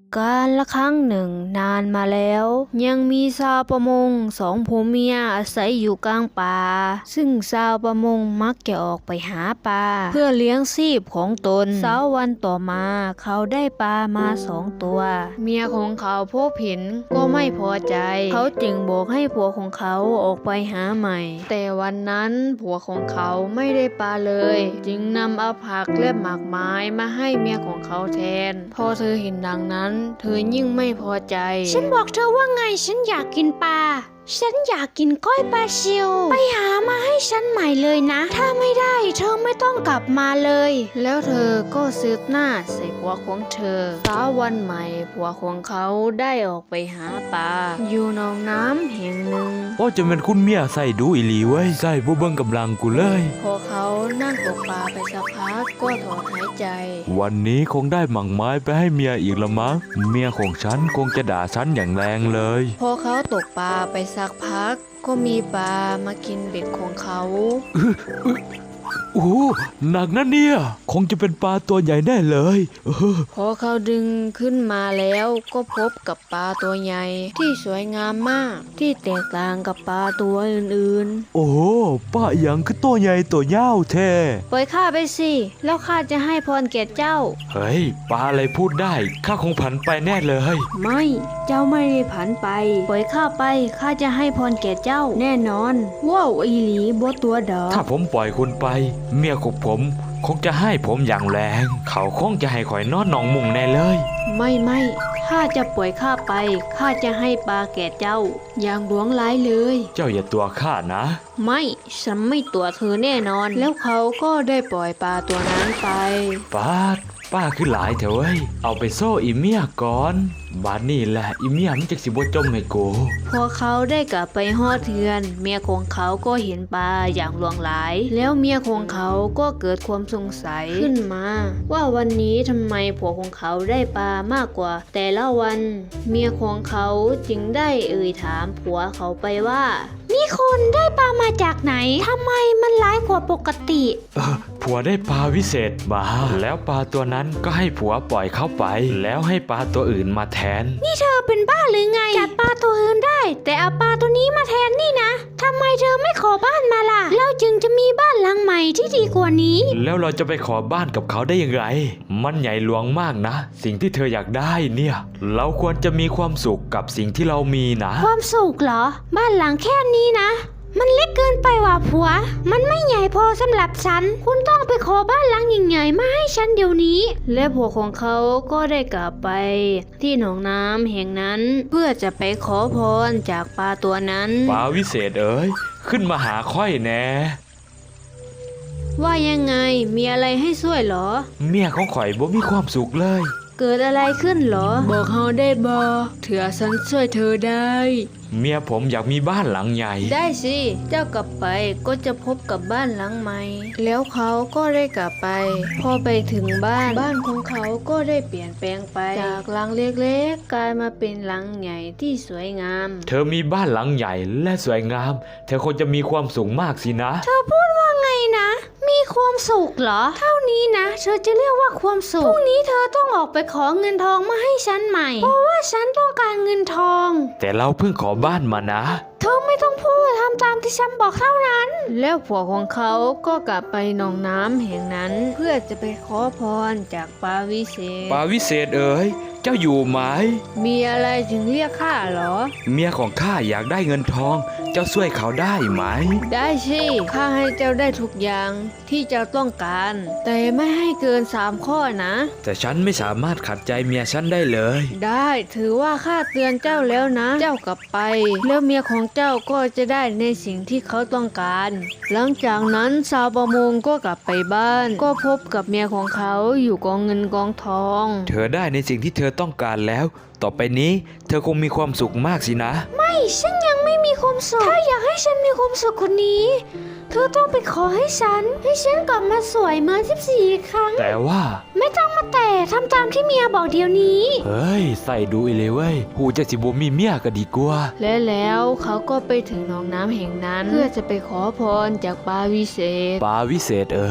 กาลละครั้งหนึ่งนานมาแล้วยังมีชาวประมงสองผัวเมียอาศัยอยู่กลางป่าซึ่งชาวประมงมักจะออกไปหาปลาเพื่อเลี้ยงชีพของตนเช้าวันต่อมาเขาได้ปลามา2 ตัวเมียของเขาพบเห็นก็ไม่พอใจเขาจึงบอกให้ผัวของเขาออกไปหาใหม่แต่วันนั้นผัวของเขาไม่ได้ปลาเลยจึงนำเอาผักและหมากไม้มาให้เมียของเขาแทนพอเธอเห็นดังนั้นเธอยิ่งไม่พอใจฉันบอกเธอว่าไงฉันอยากกินปลาฉันอยากกินก้อยปลาซิวไปหามาให้ฉันใหม่เลยนะถ้าไม่ได้เธอไม่ต้องกลับมาเลยแล้วเธอก็ซึกหน้าใส่ผัวของเธอเช้าวันใหม่ผัวของเขาได้ออกไปหาปลาอยู่หนองน้ำแห่งหนึ่งว่าจะเป็นคุณเมียใส่ดูอีหลีเว้ยใส่บ่เบิ่งกำลังกูเลยพอเขานั่งตกปลาไปสักพักก็ถอนหายใจวันนี้คงได้หมั่งไม้ไปให้เมียอีกละมั้งเมียของฉันคงจะด่าฉันอย่างแรงเลยพอเขาตกปลาไปสักพักก็มีปลามากินเบ็ดของเขาโอ้หนักนะเนี่ยคงจะเป็นปลาตัวใหญ่แน่เลยพอเขาดึงขึ้นมาแล้วก็พบกับปลาตัวใหญ่ที่สวยงามมากที่แตกต่างกับปลาตัวอื่นๆโอ้ปลาอย่างคือตัวใหญ่ตัวยาวแท้ปล่อยข้าไปสิแล้วข้าจะให้พรแก่เจ้าเฮ้ยปลาอะไรพูดได้ข้าคงผันไปแน่เลยไม่เจ้าไม่ได้ผันไปปล่อยข้าไปข้าจะให้พรแก่เจ้าแน่นอนว้าวอีหลีบ่ตัวดอกถ้าผมปล่อยคุณไปเมียของผมคงจะให้ผมอย่างแรงเขาคงจะให้ข่อยนอนหนองมุงแน่เลยไม่ข้าจะปล่อยข้าไปข้าจะให้ปลาแก่เจ้าอย่างหลวงหลายเลยเจ้าอย่าตัวข้านะไม่ฉันไม่ตัวเธอแน่นอนแล้วเขาก็ได้ปล่อยปลาตัวนั้นไปป้าคือหลายเถอะเว้ยเอาไปโซ่อีเมียก่อนบาดนี่แหละอีเมียมันจะสิบ่จมให้กูพอเขาได้กลับไปฮอดเทือนเมียของเขาก็เห็นปลาอย่างหลวงหลายแล้วเมียของเขาก็เกิดความสงสัยขึ้นมาว่าวันนี้ทำไมผัวของเขาได้ปลามากกว่าแต่ละวันเมียของเขาจึงได้ถามผัวเขาไปว่านี่คุณได้ปลามาจากไหนทำไมมันร้ายกว่าปกติผัวได้ปลาวิเศษมาแล้วปลาตัวนั้นก็ให้ผัวปล่อยเข้าไปแล้วให้ปลาตัวอื่นมาแทนนี่เธอเป็นบ้าหรือไงจัดปลาตัวอื่นได้แต่เอาปลาตัวนี้มาแทนนี่นะทำไมเธอไม่ขอบ้านมาล่ะเราจึงจะมีบ้านหลังใหม่ที่ดีกว่านี้แล้วเราจะไปขอบ้านกับเขาได้ยังไงมันใหญ่หลวงมากนะสิ่งที่เธออยากได้เนี่ยเราควรจะมีความสุขกับสิ่งที่เรามีนะความสุขเหรอบ้านหลังแค่นี้นะมันเล็กเกินไปว่ะผัวมันไม่ใหญ่พอสำหรับฉันคุณต้องไปขอบ้านหลังใหญ่ๆมาให้ฉันเดี๋ยวนี้และผัวของเขาก็ได้กลับไปที่หนองน้ำแห่งนั้นเพื่อจะไปขอพรจากปลาตัวนั้นปลาวิเศษเอ๋ยขึ้นมาหาค่อยแน่ว่ายังไงมีอะไรให้ช่วยหรอเมียของข่อยบ่มีความสุขเลยเกิดอะไรขึ้นหรอบอกเฮาได้บ่เถื่อฉันช่วยเธอได้เมียผมอยากมีบ้านหลังใหญ่ได้สิเจ้ากลับไปก็จะพบกับบ้านหลังใหม่แล้วเขาก็ได้กลับไปพอไปถึงบ้านของเขาก็ได้เปลี่ยนแปลงไปจากหลังเล็กๆกลายมาเป็นหลังใหญ่ที่สวยงามเธอมีบ้านหลังใหญ่และสวยงามเธอคงจะมีความสุขมากสินะเธอพูดว่าไงนะมีความสุขเหรอเท่านี้นะเธอจะเรียกว่าความสุขพรุ่งนี้เธอต้องออกไปขอเงินทองมาให้ฉันใหม่เพราะว่าฉันต้องการเงินทองแต่เราเพิ่งขอบ้านมานะเธอไม่ต้องพูดทำตามที่ฉันบอกเท่านั้นแล้วผัวของเขาก็กลับไปหนองน้ำแห่งนั้นเพื่อจะไปขอพรจากปลาวิเศษปลาวิเศษเอ๋ยเจ้าอยู่ไหมมีอะไรถึงเรียกข้าหรอเมียของข้าอยากได้เงินทองเจ้าช่วยเขาได้ไหมได้สิข้าให้เจ้าได้ทุกอย่างที่เจ้าต้องการแต่ไม่ให้เกิน3 ข้อนะแต่ฉันไม่สามารถขัดใจเมียฉันได้เลยได้ถือว่าข้าเตือนเจ้าแล้วนะเจ้ากลับไปแล้วเมียของเจ้าก็จะได้ในสิ่งที่เขาต้องการหลังจากนั้นชาวประมงก็กลับไปบ้านก็พบกับเมียของเขาอยู่กองเงินกองทองเธอได้ในสิ่งที่เธอต้องการแล้วต่อไปนี้เธอคงมีความสุขมากสินะไม่ฉันยังไม่มีความสุขถ้าอยากให้ฉันมีความสุขคนนี้เธอต้องไปขอให้ฉันกลับมาสวยเหมือน14 ครั้งแต่ว่าไม่ต้องมาแต่ทำตามที่เมียบอกเดี๋ยวนี้เฮ้ยใส่ดูอีเลยเว้ยหูจะสิบ่มีเมียก็ดีกว่าและแล้วเขาก็ไปถึงหนองน้ำแห่งนั้นเพื่อจะไปขอพรจากปลาวิเศษปลาวิเศษเอ๋ย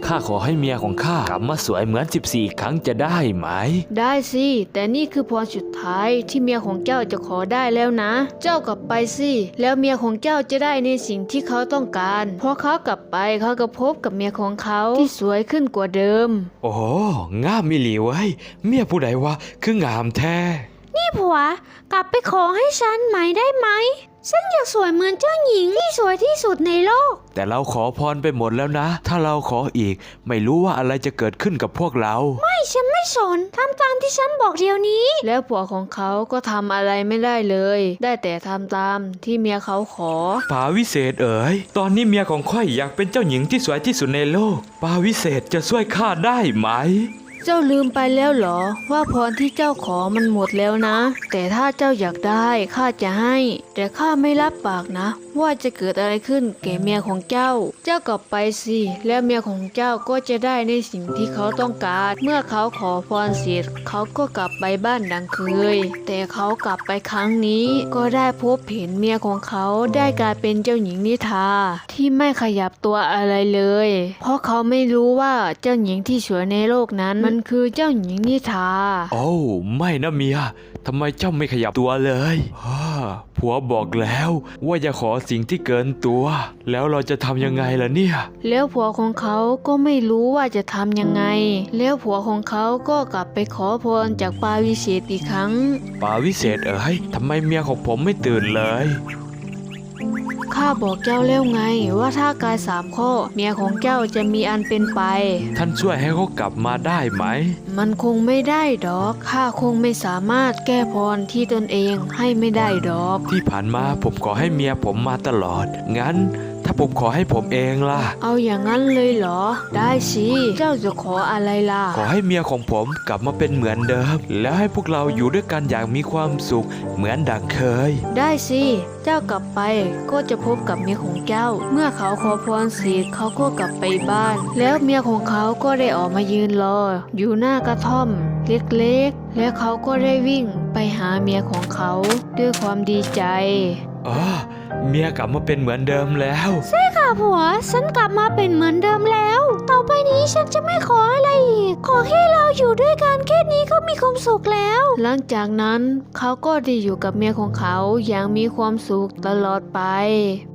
ข้าขอให้เมียของข้ากลับมาสวยเหมือน14 ครั้งจะได้ไหมได้สิ แต่นี่คือพรสุดท้ายที่เมียของเจ้าจะขอได้แล้วนะ เจ้ากลับไปสิ แล้วเมียของเจ้าจะได้ในสิ่งที่เขาต้องการพอเขากลับไปเขาก็พบกับเมียของเขาที่สวยขึ้นกว่าเดิมโอ้โหงามมิหลีเว้ยเมียผู้ใดวะคืองามแท้นี่ผัว กลับไปขอให้ฉันใหม่ได้ไหม ฉันอยากสวยเหมือนเจ้าหญิงที่สวยที่สุดในโลกแต่เราขอพรไปหมดแล้วนะ ถ้าเราขออีก ไม่รู้ว่าอะไรจะเกิดขึ้นกับพวกเราไม่ฉันไม่สนทำตามที่ฉันบอกเดี๋ยวนี้แล้วผัวของเขาก็ทำอะไรไม่ได้เลย ได้แต่ทำตามที่เมียเขาขอปาวิเศษเอ๋ย ตอนนี้เมียของข้อยอยากเป็นเจ้าหญิงที่สวยที่สุดในโลก ปาวิเศษจะช่วยข้าได้ไหมเจ้าลืมไปแล้วเหรอว่าพรที่เจ้าขอมันหมดแล้วนะ แต่ถ้าเจ้าอยากได้ข้าจะให้ แต่ข้าไม่รับปากนะ ว่าจะเกิดอะไรขึ้นแก่เมียของเจ้า เจ้ากลับไปสิแล้วเมียของเจ้าก็จะได้ในสิ่งที่เขาต้องการ เมื่อเขาขอพรเสร็จเขาก็กลับไปบ้านดังเคย แต่เขากลับไปครั้งนี้ก็ได้พบเห็นเมียของเขาได้กลายเป็นเจ้าหญิงนิทราที่ไม่ขยับตัวอะไรเลย เพราะเขาไม่รู้ว่าเจ้าหญิงที่สวยในโลกนั้นมันคือเจ้าหญิงนิทราโอ้ไม่นะเมีย ทำไมเจ้าไม่ขยับตัวเลยผัวบอกแล้วว่าอย่าขอสิ่งที่เกินตัว แล้วเราจะทำยังไงล่ะเนี่ยแล้วผัวของเขาก็ไม่รู้ว่าจะทำยังไง แล้วผัวของเขาก็กลับไปขอพรจากปาวิเศษอีกครั้งปาวิเศษเอ๋ยทำไมเมียของผมไม่ตื่นเลยข้าบอกเจ้าแล้วไงว่าถ้ากาย3 ข้อ เมียของเจ้าจะมีอันเป็นไปท่านช่วยให้เขากลับมาได้ไหมมันคงไม่ได้ดอก ข้าคงไม่สามารถแก้พรที่ตนเองให้ไม่ได้ดอกที่ผ่านมาผมขอให้เมียผมมาตลอด งั้น ถ้าผมขอให้ผมเองล่ะเอาอย่างนั้นเลยเหรอ ได้สิ เจ้าจะขออะไรล่ะขอให้เมียของผมกลับมาเป็นเหมือนเดิม แล้วให้พวกเราอยู่ด้วยกันอย่างมีความสุขเหมือนดังเคยได้สิ เจ้ากลับไปก็จะพบกับเมียของเจ้า เมื่อเขาขอพรเสร็จเขาก็กลับไปบ้าน แล้วเมียของเขาก็ได้ออกมายืนรอ อยู่หน้ากระท่อม เล็กๆ และเขาก็ได้วิ่งไปหาเมียของเขาด้วยความดีใจเมียกลับมาเป็นเหมือนเดิมแล้วค่ะผัว ฉันกลับมาเป็นเหมือนเดิมแล้ว ต่อไปนี้ฉันจะไม่ขออะไรอีก ขอแค่เราอยู่ด้วยกันแค่นี้ก็มีความสุขแล้วหลังจากนั้นเขาก็ได้อยู่กับเมียของเขาอย่างมีความสุขตลอดไป